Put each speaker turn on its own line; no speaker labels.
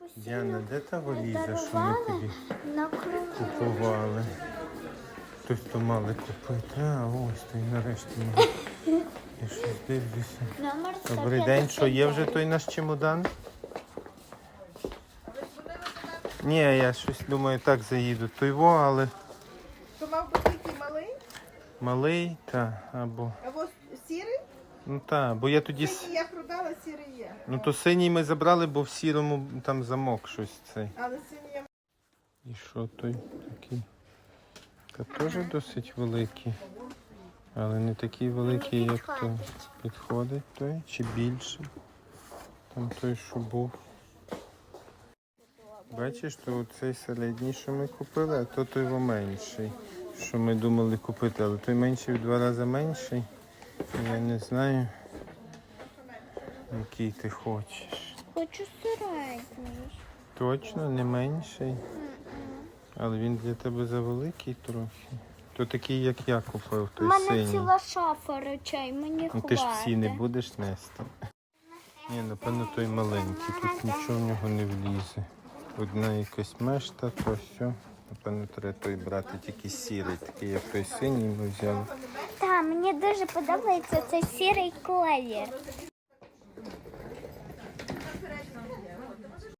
Діана, де та валіза, що ми тобі
на кругу.
купували? Хтось то мали купити. А, ось той нарешті мав. Я щось дивлюся.
Номер
Добрий день, що є вже той наш чемодан? Ні, я щось думаю, так заїду. Той во, але
То мав бути який малий,
малий, та, або...
а ось сірий.
Ну так, бо я тоді...
Синій я продала, сірий є.
Ну то синій ми забрали, бо в сірому там замок щось цей.
Але синій я...
І що той такий? Та теж досить великий. Але не такий великий, як той. Підходить той чи більше? Там той, що був. Бачиш, то цей середній, що ми купили, а то той менший, що ми думали купити. Але той менший в 2 рази менший. Я не знаю, який ти хочеш.
Хочу середній.
Точно, не менший. Але він для тебе завеликий трохи. То такий, як я купив,
У
той
мене
синій.
ціла шафа речей, мені
Ну
хватить.
ти ж всі не будеш нести. Ні, напевно, той маленький. Тут нічого в нього не влізе. Одна якась мешта, то все. Напевно, треба той брати тільки сірий, такий, як той синій ми взяли.
Так, мені дуже подобається цей сірий колір.